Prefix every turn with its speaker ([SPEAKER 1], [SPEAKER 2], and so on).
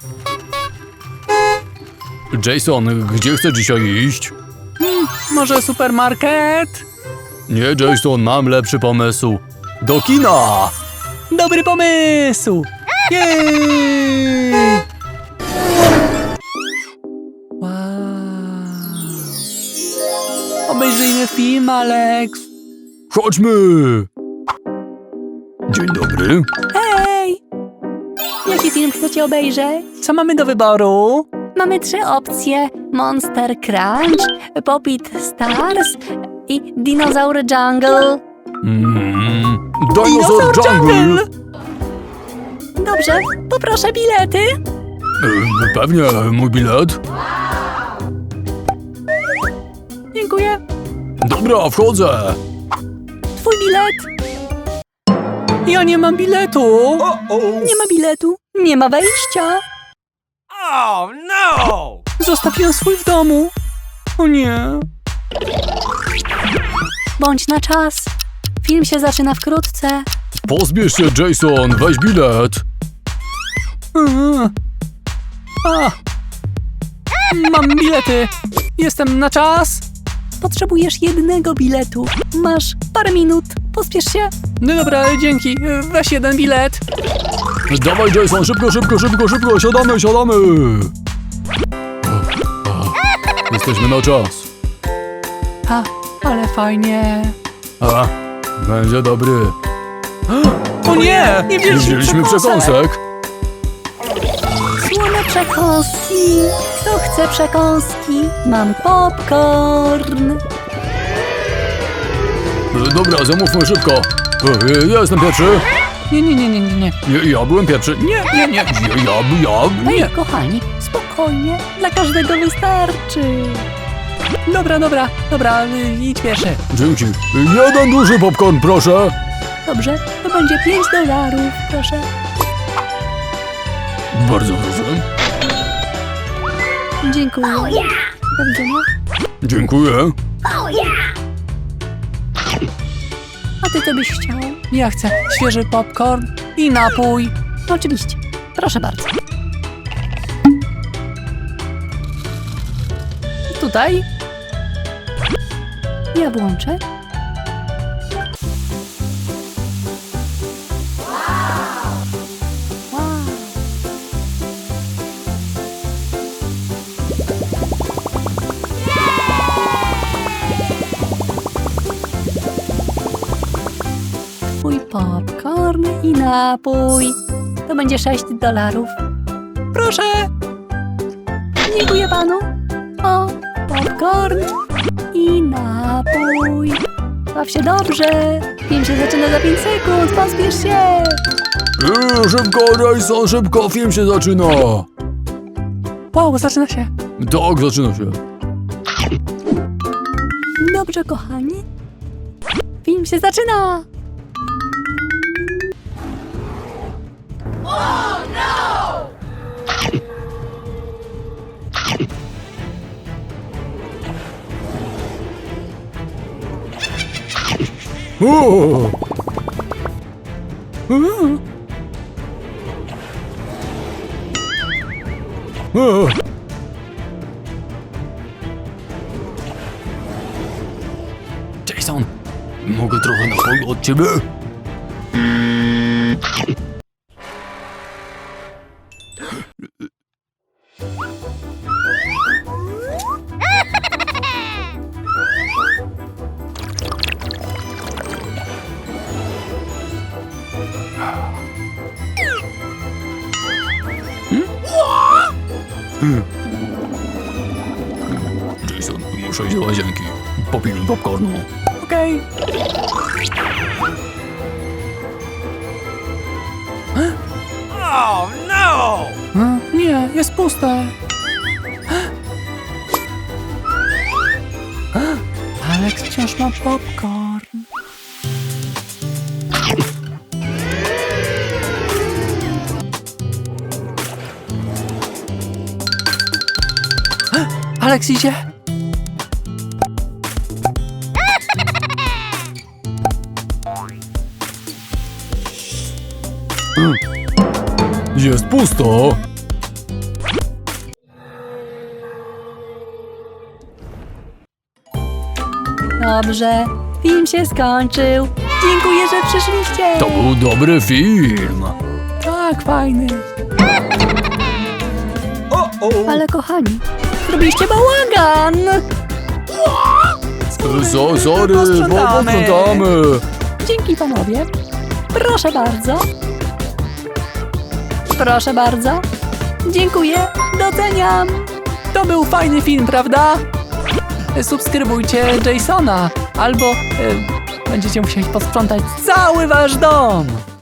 [SPEAKER 1] Jason, gdzie chcesz dzisiaj iść?
[SPEAKER 2] Może supermarket?
[SPEAKER 1] Nie, Jason, mam lepszy pomysł. Do kina!
[SPEAKER 2] Dobry pomysł! Jej! Wow. Obejrzyjmy film, Alex.
[SPEAKER 1] Chodźmy! Dzień dobry.
[SPEAKER 3] Hej! Jaki film chcecie obejrzeć?
[SPEAKER 2] Co mamy do wyboru?
[SPEAKER 3] Mamy 3 opcje. Monster Crunch, Poppit Stars i Dinosaur Jungle.
[SPEAKER 1] Dinosaur Jungle!
[SPEAKER 3] Dobrze, poproszę bilety.
[SPEAKER 1] Pewnie, mój bilet.
[SPEAKER 3] Dziękuję.
[SPEAKER 1] Dobra, wchodzę.
[SPEAKER 3] Twój bilet.
[SPEAKER 2] Ja nie mam biletu.
[SPEAKER 3] Nie ma biletu. Nie ma wejścia.
[SPEAKER 4] Oh no!
[SPEAKER 2] Zostawiłem swój w domu. O nie.
[SPEAKER 3] Bądź na czas. Film się zaczyna wkrótce.
[SPEAKER 1] Pozbierz się, Jason, weź bilet.
[SPEAKER 2] A. Mam bilety. Jestem na czas.
[SPEAKER 3] Potrzebujesz jednego biletu. Masz parę minut. Pospiesz się.
[SPEAKER 2] No dobra, dzięki. Weź jeden bilet.
[SPEAKER 1] Dawaj, Jason, szybko, szybko, szybko, szybko, siadamy, siadamy. Jesteśmy na czas.
[SPEAKER 2] A, ale fajnie.
[SPEAKER 1] A, będzie dobry.
[SPEAKER 2] O nie! Nie
[SPEAKER 1] Nie
[SPEAKER 2] wzięliśmy
[SPEAKER 1] wzięliśmy
[SPEAKER 2] przekąsek.
[SPEAKER 1] przekąsek.
[SPEAKER 3] Słone przekąski. Kto chce przekąski? Mam popcorn.
[SPEAKER 1] Dobra, zamówmy szybko. Ja jestem pierwszy.
[SPEAKER 2] Nie.
[SPEAKER 1] Ja byłem pierwszy. Nie. Ja,
[SPEAKER 3] Hej,
[SPEAKER 1] nie.
[SPEAKER 3] kochani, spokojnie. Dla każdego wystarczy.
[SPEAKER 2] Dobra, idź pierwszy.
[SPEAKER 1] Dzięki. Jeden duży popcorn, proszę.
[SPEAKER 3] Dobrze, to będzie $5, proszę.
[SPEAKER 1] Bardzo proszę.
[SPEAKER 3] Dziękuję. Do widzenia.
[SPEAKER 1] Dziękuję.
[SPEAKER 3] A ty co byś chciał?
[SPEAKER 2] Ja chcę świeży popcorn i napój.
[SPEAKER 3] Oczywiście. Proszę bardzo.
[SPEAKER 2] Tutaj?
[SPEAKER 3] Ja włączę. Wow. Twój popcorn i napój. To będzie $6.
[SPEAKER 2] Proszę.
[SPEAKER 3] Dziękuję panu. O, popcorn i napój. Baw się dobrze. Film się zaczyna za 5 sekund. Pospiesz się.
[SPEAKER 1] Szybko, Jason, szybko, film się zaczyna.
[SPEAKER 2] Wow, zaczyna się.
[SPEAKER 1] Tak, zaczyna się.
[SPEAKER 3] Dobrze, kochani. Film się zaczyna.
[SPEAKER 1] O! O! Jason, mogę trochę napoju od ciebie? Jason, muszę iść do łazienki. Popijmy popcornu.
[SPEAKER 2] Okej.
[SPEAKER 4] Oh no!
[SPEAKER 2] Nie, jest puste. Alex wciąż ma popcorn. Alex idzie.
[SPEAKER 1] Jest pusto.
[SPEAKER 3] Dobrze, film się skończył. Dziękuję, że przyszliście.
[SPEAKER 1] To był dobry film.
[SPEAKER 2] Tak, fajny.
[SPEAKER 3] Ale kochani, zrobiliście bałagan.
[SPEAKER 1] Sorry,
[SPEAKER 2] Posprzątamy.
[SPEAKER 1] posprzątamy.
[SPEAKER 3] Dzięki panowie. Proszę bardzo. Proszę bardzo. Dziękuję, doceniam.
[SPEAKER 2] To był fajny film, prawda? Subskrybujcie Jasona, albo będziecie musieli posprzątać cały wasz dom.